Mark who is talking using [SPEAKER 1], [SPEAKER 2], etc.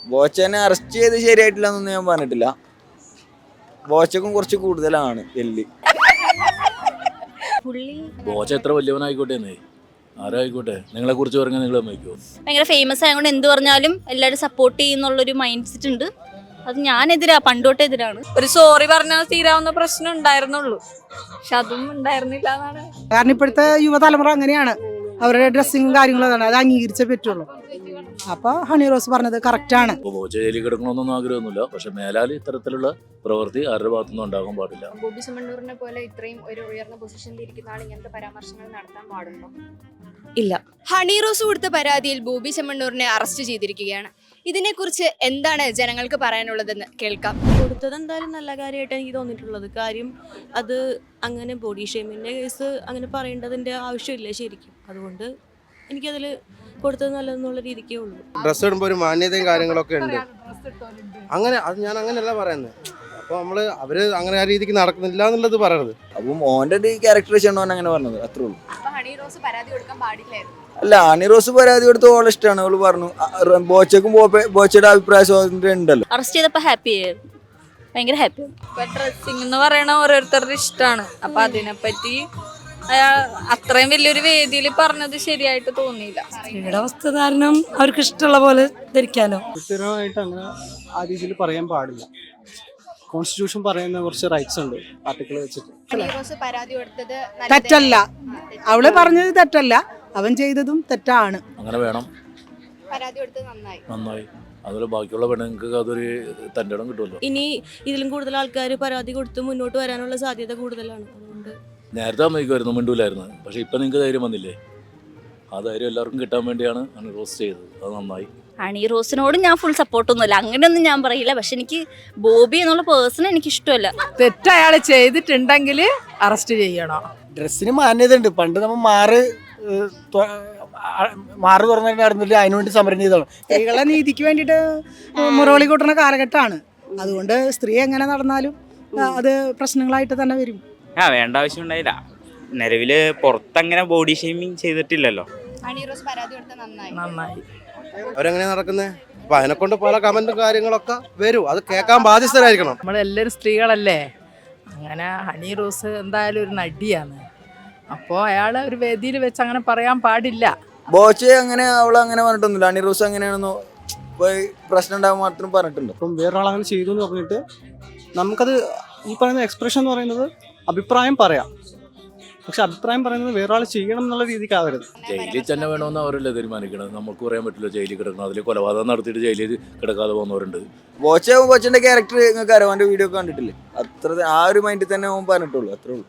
[SPEAKER 1] ബോച്ചനെ arrest ചെയ്ത് ശരിയായിട്ടില്ല എന്നൊന്നും ഞാൻ പറഞ്ഞിട്ടില്ല. ബോച്ചക്കും കുറച്ച് കൂടുതലാണ് എല്ല്.
[SPEAKER 2] ബോച്ച എത്ര വലിയവനായിക്കോട്ടെ ആരായിക്കോട്ടെ, നിങ്ങളെ കുറിച്ച് പറഞ്ഞാൽ നിങ്ങൾ സമ്മതിക്കുമോ?
[SPEAKER 3] ഭയങ്കര ഫേമസ് ആയതുകൊണ്ട് എന്ത് പറഞ്ഞാലും എല്ലാവരും സപ്പോർട്ട് ചെയ്യുന്നുള്ളൊരു മൈൻഡ് സെറ്റ് ഉണ്ട്. അത് ഞാനെതിരാ, പണ്ടോട്ടെ എതിരാണ്.
[SPEAKER 4] ഒരു സോറി പറഞ്ഞാൽ തീരാവുന്ന പ്രശ്നം ഉണ്ടായിരുന്നുള്ളൂ, പക്ഷെ അതും ഉണ്ടായിരുന്നില്ല എന്നാണ്.
[SPEAKER 5] കാരണം ഇപ്പോഴത്തെ യുവതലമുറ അങ്ങനെയാണ്, അവരുടെ ഡ്രസ്സിങ്ങും കാര്യങ്ങളും അതാണ്, അത് അംഗീകരിച്ചേ പറ്റുള്ളൂ. അപ്പൊ ഹണി റോസ് പറഞ്ഞത് കറക്റ്റാണ്.
[SPEAKER 2] ബോച്ച ജയിലിൽ കിടക്കണമെന്നൊന്നും ആഗ്രഹമൊന്നുമില്ല, പക്ഷെ മേലാൽ ഇത്തരത്തിലുള്ള പ്രവൃത്തി ആരുടെ ഭാഗത്തുനിന്നും ഉണ്ടാകാൻ പാടില്ല.
[SPEAKER 6] ബോബി ചെമ്മണ്ണൂരിനെ പോലെ ഇത്രയും ഒരു ഉയർന്ന പൊസിഷനിൽ ഇരിക്കുന്ന ആൾ ഇങ്ങനത്തെ പരാമർശങ്ങൾ നടത്താൻ പാടുണ്ടോ?
[SPEAKER 4] ഇല്ല.
[SPEAKER 6] ഹണി റോസ് കൊടുത്ത പരാതിയിൽ ബോബി ചെമ്മണ്ണൂരിനെ അറസ്റ്റ് ചെയ്തിരിക്കുകയാണ്. ഇതിനെക്കുറിച്ച് എന്താണ് ജനങ്ങൾക്ക് പറയാനുള്ളതെന്ന് കേൾക്കാം.
[SPEAKER 4] കൊടുത്തത് എന്തായാലും നല്ല കാര്യമായിട്ട് എനിക്ക് തോന്നിയിട്ടുള്ളത്. കാര്യം അത് അങ്ങനെ ബോഡി ഷേമിൻ്റെ കേസ് അങ്ങനെ പറയേണ്ടതിൻ്റെ ആവശ്യമില്ല ശരിക്കും. അതുകൊണ്ട് എനിക്കതിൽ കൊടുത്തത് നല്ലതെന്നുള്ള രീതിക്കേ ഉള്ളൂ.
[SPEAKER 7] ഡ്രസ്സ് ഇടുമ്പോൾ ഒരു മാന്യതയും കാര്യങ്ങളൊക്കെ ഉണ്ട്. അങ്ങനെ അത് ഞാൻ അങ്ങനെയല്ല പറയുന്നത്. അപ്പോൾ അവര് അങ്ങനെ ആ രീതിക്ക് നടക്കുന്നില്ല എന്നുള്ളത് പറയണത്.
[SPEAKER 1] അപ്പം ഓൻ്റെ ഒരു ക്യാരക്ടറൈസേഷൻ ഓൻ അങ്ങനെ പറഞ്ഞത്, അത്രേ ഉള്ളൂ.
[SPEAKER 6] ഹണി റോസ് പരാതി കൊടുക്കാൻ പാടില്ലായിരുന്നു.
[SPEAKER 1] അല്ല, ഹണി റോസ് പരാതി കൊടുത്ത് ഓളെ ഇഷ്ടമാണ്. അവള് പറഞ്ഞു ബോച്ചക്കും ബോച്ചയുടെ അഭിപ്രായ സ്വാതന്ത്ര്യം ഉണ്ടല്ലോ.
[SPEAKER 3] അറസ്റ്റ് ചെയ്തപ്പോൾ ഹാപ്പി ആയിരുന്നു, ഭയങ്കര ഹാപ്പി.
[SPEAKER 4] ഡ്രസ്സിങ് എന്ന് പറയണ ഓരോരുത്തരുടെ ഇഷ്ടമാണ്. അപ്പൊ അതിനെപ്പറ്റി അത്രയും വലിയൊരു വേദിയിൽ പറഞ്ഞത് ശരിയായിട്ട് തോന്നിയില്ല.
[SPEAKER 8] സ്ത്രീയുടെ വസ്ത്രധാരണം അവർക്ക് ഇഷ്ടമുള്ള പോലെ ധരിക്കാനോ.
[SPEAKER 9] കൃത്യമായിട്ട് അങ്ങനെ ആ രീതിയിൽ പറയാൻ പാടില്ല. കോൺസ്റ്റിറ്റ്യൂഷൻ പറയുന്ന കുറച്ച് റൈറ്റ്സ് ഉണ്ട് ആർട്ടിക്കിൾ വെച്ചിട്ട്.
[SPEAKER 6] ഹണി റോസ് പരാതി കൊടുത്തത്
[SPEAKER 5] തെറ്റല്ല, അവള് പറഞ്ഞത് തെറ്റല്ല, അവൻ ചെയ്തതും തെറ്റാണ്.
[SPEAKER 2] അങ്ങനെ വേണം,
[SPEAKER 6] പരാതി കൊടുത്തത്
[SPEAKER 2] നന്നായി. അതുപോലെ ബാക്കിയുള്ള പെണ്ണുങ്ങൾക്ക് അതൊരു തൻ്റെ ഇടം കിട്ടുമല്ലോ.
[SPEAKER 4] ഇനി ഇതിലും കൂടുതൽ ആൾക്കാർ പരാതി കൊടുത്ത് മുന്നോട്ട് വരാനുള്ള സാധ്യത കൂടുതലാണ്. അതുകൊണ്ട്
[SPEAKER 2] നേരത്തെ സമ്മതിക്കുമായിരുന്നു, മിണ്ടൂലായിരുന്നു. പക്ഷെ ഇപ്പം നിങ്ങൾക്ക് ധൈര്യം വന്നില്ലേ? ആ ധൈര്യം എല്ലാവർക്കും കിട്ടാൻ വേണ്ടിയാണ് ഹണി റോസ് ചെയ്തത്. അത് നന്നായി.
[SPEAKER 3] ഹണി റോസിനോട് ഞാൻ ഫുൾ സപ്പോർട്ടൊന്നുമില്ല, അങ്ങനെയൊന്നും ഞാൻ പറയില്ല. പക്ഷെ എനിക്ക് ബോബി എന്നുള്ള പേഴ്സൺ എനിക്ക് ഇഷ്ടമല്ല.
[SPEAKER 8] തെറ്റ് അയാൾ ചെയ്തിട്ടുണ്ടെങ്കിൽ അറസ്റ്റ് ചെയ്യണം.
[SPEAKER 9] ഡ്രസ്സിന് മാന്യത ഉണ്ട്. പണ്ട് നമ്മൾ മാറ് തുറന്നിട്ട് അതിനുവേണ്ടി സമരം ചെയ്തതാണ്.
[SPEAKER 5] സ്ത്രീകളെ നീതിക്ക് വേണ്ടിയിട്ട് മുറവിളി കൂട്ടുന്ന കാലഘട്ടമാണ്. അതുകൊണ്ട് സ്ത്രീ എങ്ങനെ നടന്നാലും അത് പ്രശ്നങ്ങളായിട്ട് തന്നെ വരും.
[SPEAKER 10] വേണ്ട ആവശ്യം ഉണ്ടായില്ല. നിലവില് പുറത്തങ്ങനെ ബോഡി ഷെയ്മിങ് ചെയ്തിട്ടില്ലല്ലോ.
[SPEAKER 6] ഹണി റോസ് പരാതി കൊടുത്തത്
[SPEAKER 8] നന്നായി.
[SPEAKER 7] അവരെങ്ങനെ നടക്കുന്നത്? അപ്പൊ അതിനെക്കൊണ്ട് പല കമന്റും കാര്യങ്ങളൊക്കെ വരും. അത് കേൾക്കാൻ ബാധ്യസ്ഥരായിരിക്കണം.
[SPEAKER 8] നമ്മളെല്ലാവരും സ്ത്രീകളല്ലേ. അങ്ങനെ ഹണി റോസ് എന്തായാലും ഒരു നടിയാണ്. അപ്പോൾ അയാൾ ഒരു വേദിയിൽ വെച്ച് അങ്ങനെ പറയാൻ പാടില്ല.
[SPEAKER 1] ബോച്ചെ അങ്ങനെ അവളങ്ങനെ പറഞ്ഞിട്ടൊന്നുമില്ല. ഹണി റോസ് അങ്ങനെയാണെന്നോ പ്രശ്നം ഉണ്ടാകാൻ മാത്രം പറഞ്ഞിട്ടുണ്ടോ?
[SPEAKER 9] അപ്പം വേറൊരാളങ്ങനെ ചെയ്തു എന്ന് പറഞ്ഞിട്ട് നമുക്കത് ഈ പറയുന്ന എക്സ്പ്രഷൻ എന്ന് പറയുന്നത് അഭിപ്രായം പറയാം. പക്ഷെ അഭിപ്രായം പറയുന്നത് വേറൊരാൾ ചെയ്യണം എന്നുള്ള രീതിക്കാവരുത്.
[SPEAKER 2] ജയിലിൽ തന്നെ വേണമെന്ന് അവരല്ലേ തീരുമാനിക്കണം. നമുക്ക് പറയാൻ പറ്റില്ല ജയിലിൽ കിടക്കണം. അതിൽ കൊലപാതകം നടത്തിയിട്ട് ജയിലിൽ കിടക്കാതെ പോകുന്നവരുണ്ട്.
[SPEAKER 1] ബോച്ചന്റെ ക്യാരക്ടർ നിങ്ങൾക്ക് അറിയാം, അവൻ്റെ വീഡിയോ കണ്ടിട്ടില്ലേ? അത്ര ആ ഒരു മൈൻഡിൽ തന്നെ അവൻ പറഞ്ഞിട്ടുള്ളൂ, അത്രേ ഉള്ളൂ.